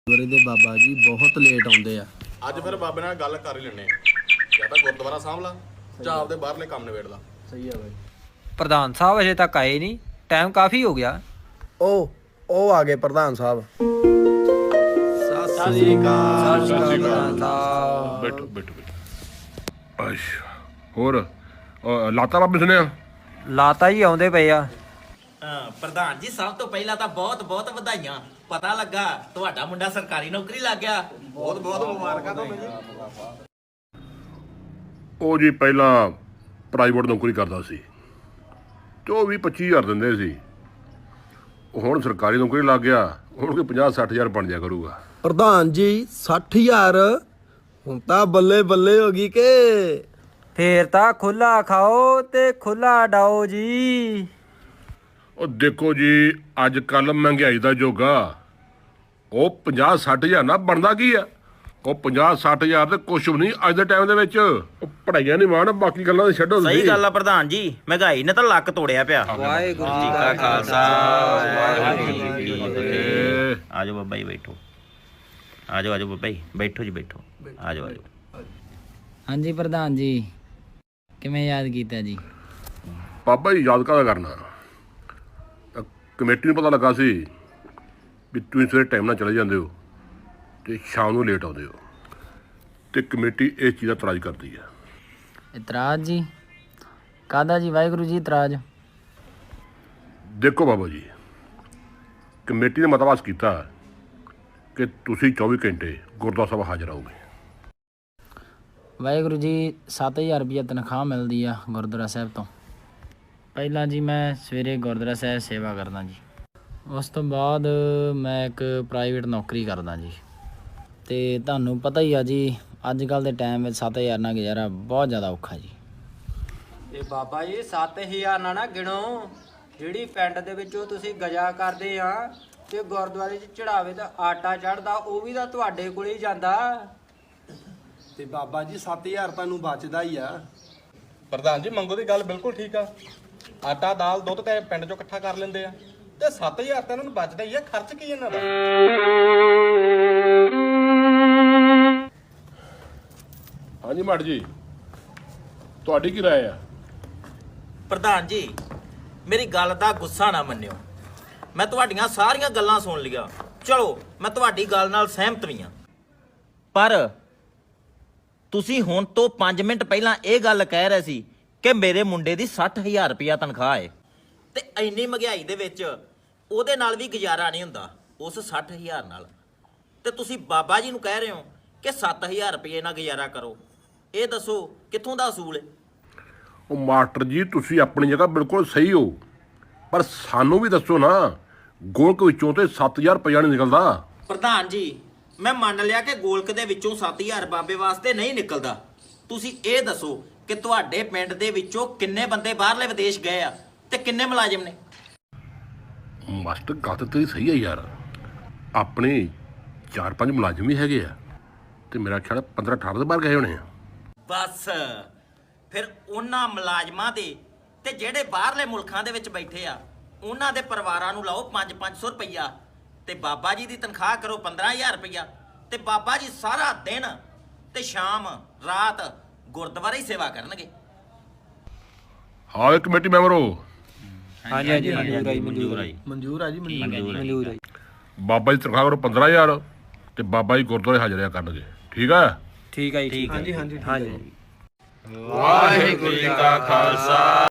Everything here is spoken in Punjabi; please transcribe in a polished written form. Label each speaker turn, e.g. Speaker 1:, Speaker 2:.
Speaker 1: ਗੁਰਦੁਆਰੇ ਦੇ ਬਾਬਾ ਜੀ ਬਹੁਤ ਲੇਟ ਆਉਂਦੇ ਆ।
Speaker 2: ਅੱਜ ਫਿਰ ਬਾਬੇ ਨਾਲ ਗੱਲ ਕਰ ਹੀ ਲੈਣੇ ਜਾਂ ਤਾਂ ਗੁਰਦੁਆਰਾ ਸਾਂਭ ਲਾ ਜਾਂ ਆਪਦੇ ਬਾਹਰਲੇ ਕੰਮ ਨਿਬੇੜ ਲਾ।
Speaker 1: ਸਹੀ ਆ ਬਾਈ।
Speaker 3: ਪ੍ਰਧਾਨ ਸਾਹਿਬ ਅਜੇ ਤੱਕ ਆਏ ਨਹੀਂ, ਟਾਈਮ ਕਾਫੀ ਹੋ ਗਿਆ।
Speaker 1: ਉਹ ਆ ਗਏ ਪ੍ਰਧਾਨ ਸਾਹਿਬ।
Speaker 3: ਸਤਿ ਸ਼੍ਰੀ ਅਕਾਲ ਪ੍ਰਧਾਨ ਸਾਹਿਬ।
Speaker 4: ਬੈਠੋ ਬੈਠੋ ਅੱਛਾ ਹੋਰ ਲਾਤਾ ਬਾਬੇ ਸੁਣਿਆ
Speaker 3: ਲਾਤਾ ਹੀ ਆਉਂਦੇ ਪਏ ਆ।
Speaker 5: ਪ੍ਰਧਾਨ ਜੀ ਸਭ ਤੋਂ ਪਹਿਲਾਂ ਤਾਂ ਬਹੁਤ ਬਹੁਤ ਵਧਾਈਆਂ। ਪਤਾ ਲੱਗਾ ਤੁਹਾਡਾ ਮੁੰਡਾ ਸਰਕਾਰੀ ਨੌਕਰੀ ਲੱਗ ਗਿਆ।
Speaker 2: ਬਹੁਤ ਬਹੁਤ ਮੁਬਾਰਕਾਂ ਤੁਹਾਨੂੰ ਜੀ।
Speaker 4: ਉਹ ਜੀ ਪਹਿਲਾਂ ਪ੍ਰਾਈਵੇਟ ਨੌਕਰੀ ਕਰਦਾ ਸੀ ਤੇ ਉਹ 20-25 ਹਜ਼ਾਰ ਦਿੰਦੇ ਸੀ। ਉਹ ਹੁਣ ਸਰਕਾਰੀ ਨੌਕਰੀ ਲੱਗ ਗਿਆ, ਹੁਣ ਕੋਈ 50-60 ਹਜ਼ਾਰ ਬਣ ਜਾ ਕਰੂਗਾ।
Speaker 1: ਪ੍ਰਧਾਨ ਜੀ 60,000 ਹੁਣ ਤਾਂ ਬੱਲੇ ਬੱਲੇ ਹੋ ਗਈ ਕਿ
Speaker 3: ਫੇਰ ਤਾਂ ਖੁੱਲਾ ਖਾਓ ਤੇ ਖੁੱਲਾ ਡਾਓ ਜੀ।
Speaker 4: ਉਹ ਦੇਖੋ ਜੀ ਅੱਜ ਕੱਲ ਮਹਿੰਗਾਈ ਦਾ ਜੋਗਾ, ਉਹ 50-60 ਹਜ਼ਾਰ ਨਾ ਬਣਦਾ ਕੀ ਆ। ਉਹ 50-60 ਹਜ਼ਾਰ ਤੇ ਕੁਛ ਵੀ ਨਹੀਂ ਅੱਜ ਦੇ ਟਾਈਮ ਦੇ ਵਿੱਚ। ਉਹ ਪੜਾਈਆਂ ਨਹੀਂ ਮਾਣ, ਬਾਕੀ ਗੱਲਾਂ ਤੇ ਛੱਡੋ।
Speaker 5: ਸਹੀ ਗੱਲ ਆ ਪ੍ਰਧਾਨ ਜੀ, ਮਹਿੰਗਾਈ ਨੇ ਤਾਂ ਲੱਕ ਤੋੜਿਆ ਪਿਆ।
Speaker 3: ਵਾਹਿਗੁਰੂ ਜੀ ਕਾ ਖਾਲਸਾ ਵਾਹਿਗੁਰੂ ਜੀ ਕੀ ਫਤਿਹ।
Speaker 5: ਆਜੋ ਬਾਬਾ ਜੀ ਬੈਠੋ। ਆਜੋ ਆਜੋ ਬਾਬਾ ਜੀ ਬੈਠੋ ਜੀ ਬੈਠੋ। ਆਜੋ ਆਜੋ।
Speaker 6: ਹਾਂਜੀ ਪ੍ਰਧਾਨ ਜੀ, ਕਿਵੇਂ ਯਾਦ ਕੀਤਾ ਜੀ?
Speaker 4: ਬਾਬਾ ਜੀ ਯਾਦ ਕਾਹਦਾ ਕਰਨਾ, ਕਮੇਟੀ ਨੂੰ ਪਤਾ ਲੱਗਾ ਸੀ ਵੀ ਤੁਸੀਂ ਸਵੇਰੇ ਟਾਈਮ ਨਾਲ ਚਲੇ ਜਾਂਦੇ ਹੋ ਤੇ ਸ਼ਾਮ ਨੂੰ ਲੇਟ ਆਉਂਦੇ ਹੋ, ਤੇ ਕਮੇਟੀ ਇਸ ਚੀਜ਼ ਦਾ ਇਤਰਾਜ਼ ਕਰਦੀ ਹੈ।
Speaker 6: ਇਤਰਾਜ਼ ਜੀ? ਕਾਹਦਾ ਜੀ ਵਾਹਿਗੁਰੂ ਜੀ ਇਤਰਾਜ਼?
Speaker 4: ਦੇਖੋ ਬਾਬਾ ਜੀ, ਕਮੇਟੀ ਨੇ ਮਤਵਾਸ ਕੀਤਾ ਕਿ ਤੁਸੀਂ 24 ਘੰਟੇ ਗੁਰਦੁਆਰਾ ਸਾਹਿਬ ਹਾਜ਼ਰ ਰਹੋਗੇ।
Speaker 6: ਵਾਹਿਗੁਰੂ ਜੀ 7,000 ਰੁਪਈਆ ਤਨਖਾਹ ਮਿਲਦੀ ਆ ਗੁਰਦੁਆਰਾ ਸਾਹਿਬ ਤੋਂ। ਪਹਿਲਾਂ ਜੀ ਮੈਂ ਸਵੇਰੇ ਗੁਰਦੁਆਰਾ ਸਾਹਿਬ ਸੇਵਾ ਕਰਦਾ ਜੀ, ਉਸ ਤੋਂ ਬਾਅਦ ਮੈਂ ਇੱਕ ਪ੍ਰਾਈਵੇਟ ਨੌਕਰੀ ਕਰਦਾ ਜੀ। ਤੇ ਤੁਹਾਨੂੰ ਪਤਾ ਹੀ ਆ ਜੀ ਅੱਜ ਕੱਲ੍ਹ ਦੇ ਟਾਈਮ ਵਿੱਚ 7,000 ਨਾਲ ਗੁਜ਼ਾਰਾ ਬਹੁਤ ਜ਼ਿਆਦਾ ਔਖਾ ਜੀ।
Speaker 7: ਇਹ ਬਾਬਾ ਜੀ 7,000 ਨਾ ਗਿਣੋ, ਜਿਹੜੀ ਪਿੰਡ ਦੇ ਵਿੱਚੋਂ ਤੁਸੀਂ ਗਜਾ ਕਰਦੇ ਆ ਤੇ ਗੁਰਦੁਆਰੇ 'ਚ ਚੜਾਵੇ ਦਾ ਆਟਾ ਚੜਦਾ, ਉਹ ਵੀ ਤਾਂ ਤੁਹਾਡੇ ਕੋਲ ਹੀ ਜਾਂਦਾ।
Speaker 1: ਤੇ ਬਾਬਾ ਜੀ 7,000 ਤੁਹਾਨੂੰ ਬਚਦਾ ਹੀ ਆ।
Speaker 2: ਪ੍ਰਧਾਨ ਜੀ ਮੰਗੋ ਦੀ ਗੱਲ ਬਿਲਕੁਲ ਠੀਕ ਆ। ਆਟਾ ਦਾਲ ਦੁੱਧ ਤੇ ਪਿੰਡ ਚੋਂ ਇਕੱਠਾ ਕਰ ਲੈਂਦੇ ਆ ਤੇ 7,000 ਤਾਂ ਇਹਨਾਂ ਨੂੰ ਬਚਦਾ ਹੀ ਆ। ਖਰਚ ਕੀ ਇਹਨਾਂ ਦਾ?
Speaker 4: ਹਾਂਜੀ ਮਾਟ ਜੀ, ਤੁਹਾਡੀ ਕੀ ਰਾਏ ਆ?
Speaker 5: ਪ੍ਰਧਾਨ ਜੀ ਮੇਰੀ ਗੱਲ ਦਾ ਗੁੱਸਾ ਨਾ ਮੰਨਿਓ, ਮੈਂ ਤੁਹਾਡੀਆਂ ਸਾਰੀਆਂ ਗੱਲਾਂ ਸੁਣ ਲਈਆਂ। ਚਲੋ ਮੈਂ ਤੁਹਾਡੀ ਗੱਲ ਨਾਲ ਸਹਿਮਤ ਵੀ ਹਾਂ, ਪਰ ਤੁਸੀਂ ਹੁਣ ਤੋਂ 5 ਮਿੰਟ ਪਹਿਲਾਂ ਇਹ ਗੱਲ ਕਹਿ ਰਹੇ ਸੀ ਕਿ ਮੇਰੇ ਮੁੰਡੇ ਦੀ 60,000 ਰੁਪਇਆ ਤਨਖਾਹ ਹੈ ਤੇ ਇੰਨੀ ਮਹਿੰਗਾਈ ਦੇ ਵਿੱਚ ਉਹਦੇ ਨਾਲ ਵੀ ਗੁਜ਼ਾਰਾ ਨਹੀਂ ਹੁੰਦਾ ਉਸ 60,000 ਨਾਲ। ਤੇ ਤੁਸੀਂ ਬਾਬਾ ਜੀ ਨੂੰ ਕਹਿ ਰਹੇ ਹੋ ਕਿ 7,000 ਰੁਪਏ ਨਾਲ ਗੁਜ਼ਾਰਾ ਕਰੋ। ਇਹ ਦੱਸੋ ਕਿੱਥੋਂ ਦਾ ਅਸੂਲ ਹੈ?
Speaker 4: ਉਹ ਮਾਸਟਰ ਜੀ ਤੁਸੀਂ ਆਪਣੀ ਜਗ੍ਹਾ ਬਿਲਕੁਲ ਸਹੀ ਹੋ, ਪਰ ਸਾਨੂੰ ਵੀ ਦੱਸੋ ਨਾ, ਗੋਲਕ ਵਿੱਚੋਂ ਤੇ 7,000 ਰੁਪਇਆ ਨਹੀਂ ਨਿਕਲਦਾ।
Speaker 5: ਪ੍ਰਧਾਨ ਜੀ ਮੈਂ ਮੰਨ ਲਿਆ ਕਿ ਗੋਲਕ ਦੇ ਵਿੱਚੋਂ 7,000 ਬਾਬੇ ਵਾਸਤੇ ਨਹੀਂ ਨਿਕਲਦਾ। ਤੁਸੀਂ ਇਹ ਦੱਸੋ ਕਿ ਤੁਹਾਡੇ ਪਿੰਡ ਦੇ ਵਿੱਚੋਂ ਕਿੰਨੇ ਬੰਦੇ ਬਾਹਰਲੇ ਵਿਦੇਸ਼ ਗਏ ਆ ਤੇ ਕਿੰਨੇ ਮੁਲਾਜ਼ਮ ਨੇ?
Speaker 4: ਮਾਸਟਰ ਗੱਲ ਤਾਂ ਤੇਰੀ ਸਹੀ ਹੈ ਯਾਰ, ਆਪਣੇ 4-5 ਮੁਲਾਜ਼ਮ ਵੀ ਹੈਗੇ ਆ ਤੇ ਮੇਰਾ ਖਿਆਲ 15-18 ਦੇ ਬਾਹਰ ਗਏ ਹੋਣੇ ਆ।
Speaker 5: ਬਸ ਫਿਰ ਉਹਨਾਂ ਮੁਲਾਜ਼ਮਾਂ ਦੇ ਤੇ ਜਿਹੜੇ ਬਾਹਰਲੇ ਮੁਲਕਾਂ ਦੇ ਵਿੱਚ ਬੈਠੇ ਆ ਉਹਨਾਂ ਦੇ ਪਰਿਵਾਰਾਂ ਨੂੰ ਲਾਓ 5-500 ਰੁਪਈਆ ਤੇ ਬਾਬਾ ਜੀ ਦੀ ਤਨਖਾਹ ਕਰੋ 15,000 ਰੁਪਈਆ ਤੇ ਬਾਬਾ ਜੀ ਸਾਰਾ ਦਿਨ ਤੇ ਸ਼ਾਮ ਰਾਤ ਗੁਰਦੁਆਰੇ ਹੀ ਸੇਵਾ ਕਰਨਗੇ।
Speaker 4: ਹਾਂ ਕਮੇਟੀ ਮੈਂਬਰ ਹੋ?
Speaker 3: ਹਾਂਜੀ ਹਾਂਜੀ ਮਨਜ਼ੂਰ ਆਈ
Speaker 5: ਮਨਜ਼ੂਰ ਆਈ
Speaker 1: ਮਨਜ਼ੂਰ ਆ ਜੀ,
Speaker 3: ਮਨਜ਼ੂਰ ਆਈ।
Speaker 4: ਬਾਬਾ ਜੀ ਤਨਖਾਹ ਕਰੋ 15,000 ਤੇ ਬਾਬਾ ਜੀ ਗੁਰਦੁਆਰੇ ਹਾਜ਼ਰਿਆ ਕਰਨਗੇ। ਠੀਕ ਆ?
Speaker 3: ਠੀਕ ਹੈ ਜੀ।
Speaker 5: ਠੀਕ ਹੈ।
Speaker 3: ਹਾਂਜੀ ਹਾਂਜੀ।
Speaker 4: ਵਾਹਿਗੁਰੂ ਜੀ ਕਾ ਖਾਲਸਾ